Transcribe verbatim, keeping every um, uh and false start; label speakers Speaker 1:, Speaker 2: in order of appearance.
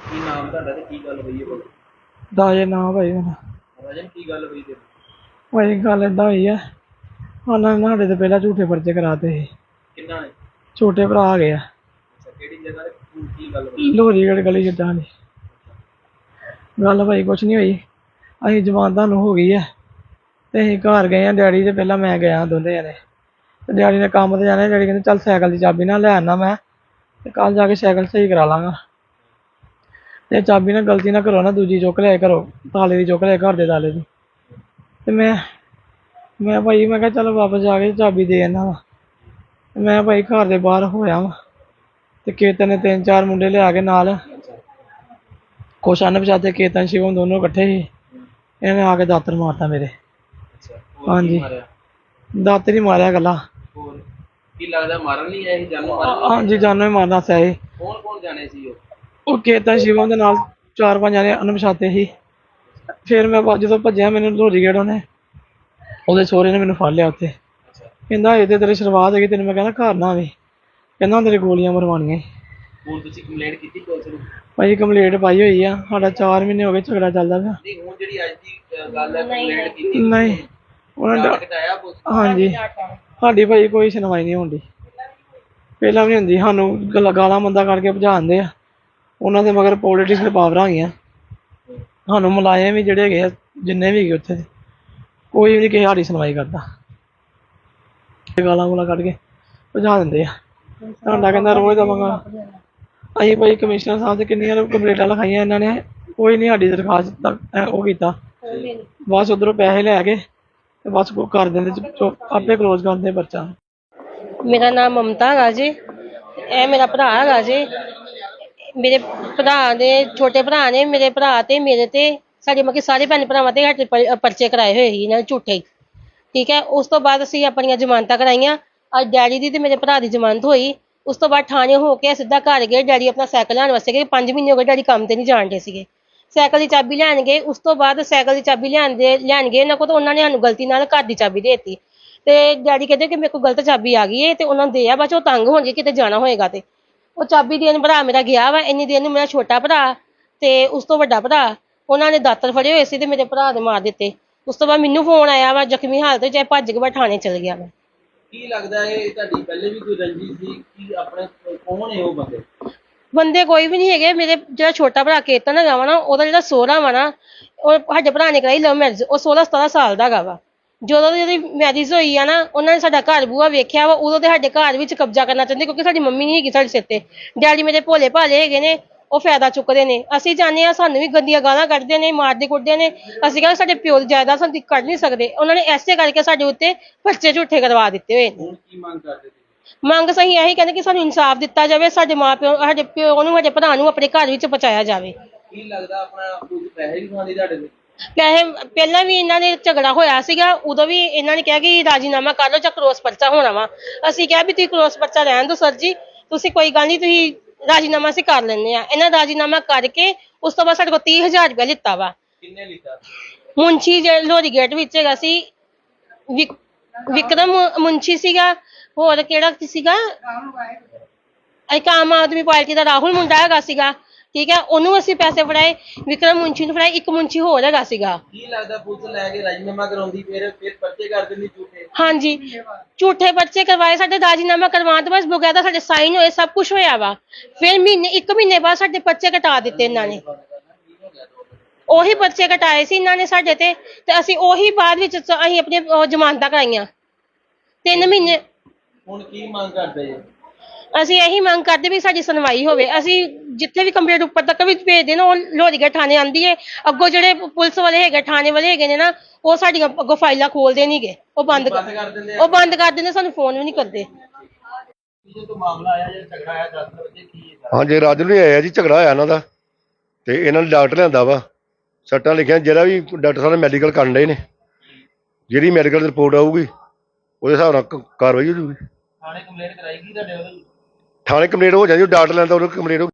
Speaker 1: ਕੀ ਨਾਮ ਤੁਹਾਡਾ ਤੇ ਕੀ ਗੱਲ ਹੋਈ ਹੈ ਭਾਈ?
Speaker 2: ਦਾਜੇ ਨਾ ਭਾਈ ਮੇਰਾ
Speaker 1: ਰਾਜਨ ਕੀ ਗੱਲ ਹੋਈ ਤੇ?
Speaker 2: ਭਾਈ ਗੱਲ ਏਦਾਂ ਹੋਈ ਆ। ਉਹਨਾਂ ਨੇ ਸਾਡੇ ਤੋਂ ਪਹਿਲਾਂ ਝੂਠੇ ਪਰਚੇ ਕਰਾਤੇ ਸੀ।
Speaker 1: ਕਿੰਨਾ ਨੇ?
Speaker 2: ਛੋਟੇ ਭਰਾ ਆ ਗਏ ਆ
Speaker 1: ਅੱਛਾ, ਕਿਹੜੀ ਜਗ੍ਹਾ ਤੇ ਕੀ ਕੀ ਗੱਲ ਹੋਈ?
Speaker 2: ਲੋਹਰੀਗੜ੍ਹ ਗਲੀ ਜਿੱਦਾਂ ਦੀ ਗੱਲ ਭਾਈ ਕੁਛ ਨਹੀਂ ਹੋਈ। ਅਸੀਂ ਜਮਾਨ ਤੁਹਾਨੂੰ ਹੋ ਗਈ ਆ ਤੇ ਅਸੀਂ ਘਰ ਗਏ ਆ। ਡੈਡੀ ਤੇ ਪਹਿਲਾਂ ਮੈਂ ਗਿਆ ਦੋਨੇ ਜਣੇ ਤੇ ਡੈਡੀ ਨੇ ਕੰਮ ਤੇ ਜਾਣਾ। ਡੈਡੀ ਕਹਿੰਦੇ ਚੱਲ ਸਾਈਕਲ ਦੀ ਚਾਬੀ ਨਾਲ ਲੈ ਆਉਣਾ ਮੈਂ ਤੇ ਕੱਲ ਜਾ ਕੇ ਸਾਈਕਲ ਸਹੀ ਕਰਾ ਲਾਂਗਾ। ਤੇ ਚਾਬੀ ਨਾਲ ਗਲਤੀ ਨਾ ਕਰੋ ਨਾ ਦੂਜੀ ਚੁੱਕ ਲਿਆ ਕਰੋ, ਤਾਲੇ ਦੀ ਚੁੱਕ ਲਿਆ ਘਰ ਦੇ ਤਾਲੇ ਦੀ। ਤੇ ਮੈਂ ਮੈਂ ਭਾਈ ਮੈਂ ਕਿਹਾ ਚਲੋ ਵਾਪਸ ਜਾ ਕੇ ਚਾਬੀ ਦੇ ਆਣਾ ਵਾ। ਮੈਂ ਭਾਈ ਘਰ ਦੇ ਬਾਹਰ ਹੋਇਆ ਵਾ ਤੇ ਕੇਤਨ ਨੇ ਤਿੰਨ ਚਾਰ ਮੁੰਡੇ ਲਿਆ ਕੇ ਨਾਲ, ਕੁਛ ਅਣਪਛਾਤੇ ਕੇਤਨ ਸ਼ਿਵਮ ਦੋਨੋਂ ਇਕੱਠੇ ਸੀ। ਇਹਨੇ ਆ ਕੇ ਦਾਤਰ ਮਾਰਤਾ ਮੇਰੇ।
Speaker 1: ਅੱਛਾ, ਹੋਰ ਕੀ
Speaker 2: ਹਾਂਜੀ
Speaker 1: ਮਾਰਿਆ?
Speaker 2: ਦਾਤਰ ਹੀ ਮਾਰਿਆ ਗੱਲਾਂ।
Speaker 1: ਹੋਰ ਕੀ ਲੱਗਦਾ ਮਾਰਨ ਲਈ ਆਏ ਸੀ? ਜਾਨੋਂ ਮਾਰਨ ਲਈ?
Speaker 2: ਹਾਂਜੀ ਜਾਨੋਂ ਹੀ ਮਾਰਨਾ ਸੀ।
Speaker 1: ਕੌਣ ਕੌਣ ਜਾਣੇ ਸੀ ਉਹ?
Speaker 2: ਉਹ ਕੇਤਨ ਸ਼ਿਵਮ ਦੇ ਨਾਲ ਚਾਰ ਪੰਜ ਜਣੇ ਅਣਪਛਾਤੇ ਸੀ। ਫਿਰ ਮੈਂ ਬਾਅਦ ਜਦੋਂ ਭੱਜਿਆ ਮੈਨੂੰ ਲੋਹਰੀ ਗੇੜ ਉਹਨੇ ਉਹਦੇ ਸਹੁਰੇ ਨੇ ਮੈਨੂੰ ਫੜ ਲਿਆ ਉੱਥੇ।
Speaker 1: ਅੱਛਾ,
Speaker 2: ਕਹਿੰਦਾ ਇਹਦੇ ਤੇਰੇ ਸ਼ੁਰੂਆਤ ਹੈਗੀ ਤੈਨੂੰ ਮੈਂ ਕਹਿੰਦਾ ਘਰ ਨਾ ਆਵੇ। ਕਹਿੰਦਾ ਤੇਰੇ ਗੋਲੀਆਂ ਮਰਵਾਉਣੀਆਂ।
Speaker 1: ਹੁਣ ਤੁਸੀਂ ਕੰਪਲੇਂਟ ਕੀਤੀ ਪੁਲਿਸ ਨੂੰ?
Speaker 2: ਭਾਈ ਕੰਪਲੇਂਟ ਪਾਈ ਹੋਈ ਆ। ਸਾਡਾ ਚਾਰ ਮਹੀਨੇ ਹੋ ਗਏ ਝਗੜਾ ਚੱਲਦਾ ਪਿਆ।
Speaker 1: ਨਹੀਂ, ਹੁਣ ਜਿਹੜੀ ਅੱਜ ਦੀ ਅ, ਗੱਲ ਹੈ ਕੰਪਲੇਂਟ ਕੀਤੀ
Speaker 2: ਨਹੀਂ ਉਹਨਾਂ
Speaker 1: ਉਹਨਾਂ
Speaker 2: ਦਾ
Speaker 1: ਕਟਾਇਆ ਪੁਲਿਸ?
Speaker 2: ਹਾਂਜੀ ਸਾਡੀ ਭਾਈ ਕੋਈ ਸੁਣਵਾਈ ਨਹੀਂ ਹੁੰਦੀ। ਪਹਿਲਾਂ ਵੀ ਨਹੀਂ ਹੁੰਦੀ। ਸਾਨੂੰ ਗਾਲਾਂ ਗਾਲਾਂ ਮੰਦਾ ਕਰਕੇ ਭਜਾਉਂਦੇ ਆ। ਉਹਨਾਂ ਦੇ ਮਗਰ ਪੋਲੀਟਿਕਸ ਪਾਵਰਾਂ ਹੈਗੀਆਂ। ਸਾਨੂੰ ਮੁਲਾਜ਼ਮ ਵੀ ਜਿਹੜੇ ਹੈਗੇ ਆ ਜਿੰਨੇ ਵੀ ਹੈਗੇ ਉੱਥੇ ਦੇ ਕੋਈ ਵੀ ਨਹੀਂ ਕਿਸੇ ਸਾਡੀ ਸੁਣਵਾਈ ਕਰਦਾ। ਗਾਲਾਂ ਗੂਲਾਂ ਕੱਢ ਕੇ ਭਜਾ ਦਿੰਦੇ ਆ। ਸਾਡਾ ਕਹਿੰਦਾ ਰੋਜ਼ ਦਾ ਮੰਗਾ। ਅਸੀਂ ਭਾਈ ਕਮਿਸ਼ਨਰ ਸਾਹਿਬ ਤੇ ਕਿੰਨੀਆਂ ਕੰਪਲੇਂਟਾਂ ਲਿਖਾਈਆਂ ਇਹਨਾਂ ਨੇ, ਕੋਈ ਨਹੀਂ ਸਾਡੀ ਦਰਖਾਸਤ ਤੱਕ ਉਹ ਕੀਤਾ। ਬਸ ਉੱਧਰੋਂ ਪੈਸੇ ਲੈ ਕੇ ਤੇ ਬਸ ਕਰ ਦਿੰਦੇ ਆਪੇ ਕਲੋਜ਼ ਕਰਦੇ ਪਰਚਾ।
Speaker 3: ਮੇਰਾ ਨਾਮ ਮਮਤਾ ਹੈਗਾ ਜੀ। ਇਹ ਮੇਰਾ ਭਰਾ ਹੈਗਾ ਜੀ। ਮੇਰੇ ਭਰਾ ਦੇ ਛੋਟੇ ਭਰਾ ਨੇ ਮੇਰੇ ਭਰਾ ਤੇ ਮੇਰੇ ਤੇ ਸਾਡੇ ਮਤਲਬ ਕਿ ਸਾਰੇ ਭੈਣ ਭਰਾਵਾਂ ਤੇ ਸਾਡੇ ਪ- ਪਰਚੇ ਕਰਾਏ ਹੋਏ ਸੀ ਇਹਨਾਂ ਨੇ ਝੂਠੇ ਹੀ। ਠੀਕ ਹੈ, ਉਸ ਤੋਂ ਬਾਅਦ ਅਸੀਂ ਆਪਣੀਆਂ ਜ਼ਮਾਨਤਾਂ ਕਰਾਈਆਂ। ਅੱਜ ਡੈਡੀ ਦੀ ਤੇ ਮੇਰੇ ਭਰਾ ਦੀ ਜ਼ਮਾਨਤ ਹੋਈ। ਉਸ ਤੋਂ ਬਾਅਦ ਥਾਣੇ ਹੋ ਕੇ ਸਿੱਧਾ ਘਰ ਗਏ। ਡੈਡੀ ਆਪਣਾ ਸਾਈਕਲ ਲੈਣ ਵਾਸਤੇ ਗਏ। ਪੰਜ ਮਹੀਨੇ ਹੋ ਗਏ ਡੈਡੀ ਕੰਮ ਤੇ ਨਹੀਂ ਜਾਣਦੇ ਸੀਗੇ। ਸਾਈਕਲ ਦੀ ਚਾਬੀ ਲੈਣ ਗਏ। ਉਸ ਤੋਂ ਬਾਅਦ ਸਾਈਕਲ ਦੀ ਚਾਬੀ ਲੈਣ ਦੇ ਲੈਣ ਗਏ ਇਹਨਾਂ ਕੋਲ ਤਾਂ ਉਹਨਾਂ ਨੇ ਸਾਨੂੰ ਗਲਤੀ ਨਾਲ ਘਰ ਦੀ ਚਾਬੀ ਦੇ ਦਿੱਤੀ। ਤੇ ਡੈਡੀ ਕਹਿੰਦੇ ਕਿ ਮੇਰੇ ਕੋਲ ਗਲਤ ਚਾਬੀ ਆ ਗਈ ਹੈ ਤੇ ਉਹਨਾਂ ਨੂੰ ਦੇ ਆ। ਬਾਅਦ 'ਚ ਉਹ ਤੰਗ ਹੋਣਗੇ ਕਿਤੇ ਜਾਣਾ ਹੋਏਗਾ ਤੇ ਉਹ ਚਾਬੀ ਦੇਣ ਭਰਾ ਮੇਰਾ ਗਿਆ ਵਾ। ਇੰਨੀ ਦੇਰ ਨੂੰ ਮੇਰਾ ਛੋਟਾ ਭਰਾ ਤੇ ਉਸ ਤੋਂ ਵੱਡਾ ਭਰਾ ਉਹਨਾਂ ਨੇ ਦਾਤਰ ਫੜੇ ਹੋਏ ਸੀ ਤੇ ਮੇਰੇ ਭਰਾ ਦੇ ਮਾਰ ਦਿੱਤੇ। ਉਸ ਤੋਂ ਬਾਅਦ ਮੈਨੂੰ ਫੋਨ ਆਇਆ ਵਾ ਜ਼ਖਮੀ ਹਾਲਤ ਵਿੱਚ, ਭੱਜ ਕੇ ਮੈਂ ਥਾਣੇ ਚਲ ਗਿਆ ਵਾ।
Speaker 1: ਕੀ ਲੱਗਦਾ ਇਹ ਤੁਹਾਡੀ ਪਹਿਲੇ ਵੀ ਕੋਈ ਰੰਜਿਸ਼ ਸੀ ਕਿ ਆਪਣੇ ਕੌਣ ਹੈ ਉਹ ਬੰਦੇ?
Speaker 3: ਬੰਦੇ ਕੋਈ ਵੀ ਨਹੀਂ ਹੈਗੇ। ਮੇਰੇ ਜਿਹੜਾ ਛੋਟਾ ਭਰਾ ਕੇਤਨ ਹੈਗਾ ਵਾ ਨਾ, ਉਹਦਾ ਜਿਹੜਾ ਸਹੁਰਾ ਵਾ ਨਾ, ਉਹ ਸਾਡੇ ਭਰਾ ਨੇ ਕਰਾਈ ਲਵ ਮੈਰਿਜ। ਉਹ ਸੋਲਾਂ ਸਤਾਰਾਂ ਸਾਲ ਦਾ ਹੈਗਾ ਵਾ। ਜਦੋਂ ਦੀ ਉਹਦੀ ਮੈਰਿਜ ਹੋਈ ਆ ਨਾ, ਉਹਨਾਂ ਨੇ ਸਾਡਾ ਘਰ ਬੂਹਾ ਵੇਖਿਆ ਵਾ। ਉਦੋਂ ਤੇ ਸਾਡੇ ਘਰ ਵਿੱਚ ਕਬਜ਼ਾ ਕਰਨਾ ਚਾਹੁੰਦੇ ਕਿਉਂਕਿ ਸਾਡੀ ਮੰਮੀ ਨਹੀਂ ਹੈਗੀ ਸਾਡੇ ਸਿਰ ਤੇ। ਡੈਡੀ ਮੇਰੇ ਭੋਲੇ ਭਾਲੇ ਹੈਗੇ ਨੇ, ਉਹ ਫਾਇਦਾ ਚੁੱਕਦੇ ਨੇ। ਅਸੀਂ ਚਾਹੁੰਦੇ ਹਾਂ ਸਾਨੂੰ ਵੀ ਗੰਦੀਆਂ ਗਾਲਾਂ ਕੱਢਦੇ ਨੇ, ਮਾਰਦੇ ਕੁੱਟਦੇ ਨੇ। ਅਸੀਂ ਕਹਿੰਦੇ ਸਾਡੇ ਪਿਓ ਦੀ ਜਾਇਦਾਦ ਸਾਨੂੰ ਕੱਢ ਨਹੀਂ ਸਕਦੇ। ਉਹਨਾਂ ਨੇ ਐਸੇ ਕਰਕੇ ਸਾਡੇ ਉੱਤੇ ਪਰਚੇ ਝੂਠੇ ਕਰਵਾ ਦਿੱਤੇ ਹੋਏ ਨੇ।
Speaker 1: ਹੁਣ ਕੀ ਮੰਗ ਕਰਦੇ ਸੀ?
Speaker 3: ਮੰਗ ਸਹੀ ਇਹੀ ਕਹਿੰਦੇ ਕਿ ਸਾਨੂੰ ਇਨਸਾਫ ਦਿੱਤਾ ਜਾਵੇ। ਸਾਡੇ ਮਾਂ ਪਿਓ ਸਾਡੇ ਪਿਓ ਨੂੰ ਸਾਡੇ ਭਰਾ ਨੂੰ ਆਪਣੇ ਘਰ ਵਿੱਚ ਪਹੁੰਚਾਇਆ ਜਾਵੇ।
Speaker 1: ਕੀ ਲੱਗਦਾ ਆਪਣਾ ਕੁਝ ਪੈਸੇ ਵੀ ਖਾਂਦੇ ਤੁਹਾਡੇ ਤੋਂ?
Speaker 3: ਪੈਸੇ ਪਹਿਲਾਂ ਵੀ ਇਹਨਾਂ ਨੇ ਝਗੜਾ ਹੋਇਆ ਸੀਗਾ। ਉਦੋਂ ਵੀ ਇਹਨਾਂ ਨੇ ਕਿਹਾ ਕਿ ਰਾਜੀਨਾਮਾ ਕਰ ਲਓ ਜਾਂ ਕਰੋਸ ਪਰਚਾ ਹੋਣਾ ਵਾ। ਅਸੀਂ ਕਿਹਾ ਵੀ ਤੁਸੀਂ ਕਰੋਸ ਪਰਚਾ ਰਹਿਣ ਦਿਓ ਸਰ ਜੀ, ਤੁਸੀਂ ਕੋਈ ਗੱਲ ਨਹੀਂ, ਤੁਸੀਂ ਰਾਜੀਨਾਮਾ ਅਸੀਂ ਕਰ ਲੈਂਦੇ ਆ। ਇਹਨਾਂ ਰਾਜੀਨਾਮਾ ਕਰਕੇ ਉਸ ਤੋਂ ਬਾਅਦ ਸਾਡੇ ਕੋਲ ਤੀਹ ਹਜ਼ਾਰ ਰੁਪਇਆ ਲਿੱਤਾ ਵਾ।
Speaker 1: ਕਿੰਨੇ ਲਿੱਤਾ?
Speaker 3: ਮੁੰਸ਼ੀ ਜਿਹੜੇ ਲੋਹਰੀ ਗੇਟ ਵਿੱਚ ਹੈਗਾ ਸੀ ਵਿਕ- ਵਿਕਰਮ ਮੁੰਸ਼ੀ ਸੀਗਾ। ਹੋਰ ਕਿਹੜਾ ਸੀਗਾ, ਇੱਕ ਆਮ ਆਦਮੀ ਪਾਰਟੀ ਦਾ ਰਾਹੁਲ ਮੁੰਡਾ ਹੈਗਾ ਸੀਗਾ। ਠੀਕ ਹੈ, ਉਹਨੂੰ ਅਸੀਂ ਪੈਸੇ ਫੜਾਏ। ਵਿਕਰਮ ਮੁੰਸ਼ੀ ਨੂੰ ਫੜਾਏ। ਇੱਕ ਮੁੰਸ਼ੀ ਹੋਰ ਹੈਗਾ ਸੀਗਾ।
Speaker 1: ਕੀ ਲੱਗਦਾ ਪੁਲਿਸ ਲੈ ਕੇ ਰਾਜੀਨਾਮਾ ਕਰਾਉਂਦੀ ਫਿਰ ਫਿਰ ਪਰਚੇ ਕਰ ਦਿੰਦੀ ਝੂਠੇ?
Speaker 3: ਹਾਂਜੀ, ਝੂਠੇ ਪਰਚੇ ਕਰਵਾਏ। ਸਾਡੇ ਰਾਜੀਨਾਮਾ ਕਰਵਾਉਣ ਤੋਂ ਬਾਅਦ ਬਕਾਇਦਾ ਸਾਡੇ ਸਾਈਨ ਹੋਏ, ਸਭ ਕੁਝ ਹੋਇਆ ਵਾ। ਫਿਰ ਮਹੀਨੇ ਇੱਕ ਮਹੀਨੇ ਬਾਅਦ ਸਾਡੇ ਪਰਚੇ ਕਟਾ ਦਿੱਤੇ ਇਹਨਾਂ ਨੇ। ਉਹੀ ਪਰਚੇ ਕਟਾਏ ਸੀ ਇਹਨਾਂ ਨੇ ਸਾਡੇ ਤੇ ਤੇ ਅਸੀਂ ਉਹੀ ਬਾਅਦ ਵਿੱਚ ਅਸੀਂ ਆਪਣੀ ਉਹ ਜ਼ਮਾਨਤਾਂ ਕਰਾਈਆਂ ਤਿੰਨ ਮਹੀਨੇ।
Speaker 1: ਹੁਣ ਕੀ ਮੰਗ ਕਰਦੇ ਜੀ?
Speaker 3: ਅਸੀਂ ਇਹੀ ਮੰਗ ਕਰਦੇ ਵੀ ਸਾਡੀ ਸੁਣਵਾਈ ਹੋਵੇ। ਅਸੀਂ ਜਿੱਥੇ ਵੀ ਕੰਪਲੇਂਟ ਉੱਪਰ ਤੱਕ ਵੀ ਭੇਜਦੇ ਨਾ, ਉਹ ਲੋਹਰੀਗੜ੍ਹ ਥਾਣੇ ਆਂਦੀ ਹੈ। ਅੱਗੋਂ ਜਿਹੜੇ ਪੁਲਿਸ ਵਾਲੇ ਹੈਗੇ, ਥਾਣੇ ਵਾਲੇ ਹੈਗੇ ਨੇ ਨਾ, ਉਹ ਸਾਡੀਆਂ ਅੱਗੋਂ ਫਾਈਲਾਂ ਖੋਲਦੇ ਨਹੀਂਗੇ। ਉਹ ਬੰਦ
Speaker 1: ਬੰਦ ਕਰ ਦਿੰਦੇ ਆ?
Speaker 3: ਉਹ ਬੰਦ ਕਰ ਦਿੰਦੇ, ਸਾਨੂੰ ਫੋਨ ਵੀ ਨਹੀਂ ਕਰਦੇ।
Speaker 1: ਕਿਸੇ ਤੋਂ ਮਾਮਲਾ ਆਇਆ ਜਿਹੜਾ ਝਗੜਾ ਆਇਆ ਦਸ ਵਜੇ ਕੀ ਹੈ?
Speaker 4: ਹਾਂਜੀ ਰਾਜੂ ਨਹੀਂ ਆਇਆ ਜੀ, ਝਗੜਾ ਹੋਇਆ ਇਹਨਾਂ ਦਾ ਤੇ ਇਹਨਾਂ ਨੇ ਡਾਕਟਰ ਲਿਆਂਦਾ ਵਾ। ਸੱਟਾਂ ਲਿਖੀਆਂ, ਜਿਹੜਾ ਵੀ ਡਾਕਟਰ ਸਾਹਿਬ ਨੇ ਮੈਡੀਕਲ ਕਰਨ ਡਏ ਨੇ। ਜਿਹੜੀ ਮੈਡੀਕਲ ਰਿਪੋਰਟ ਆਊਗੀ ਉਹਦੇ ਹਿਸਾਬ ਨਾਲ ਕ- ਕਾਰਵਾਈ ਹੋ ਜੂਗੀ।
Speaker 1: ਥਾਣੇ ਕੰਪਲੇਂਟ ਕਰਾਈ ਗਈ ਤੁਹਾਡੇ ਵੱਲੋਂ?
Speaker 4: ਥਾਣੇ ਕੰਪਲੇਂਟ ਹੋ ਜਾਂਦੀ, ਡਾਕਟਰ ਲੈਂਦਾ ਉਹਨੂੰ ਕੰਪਲੇਂਟ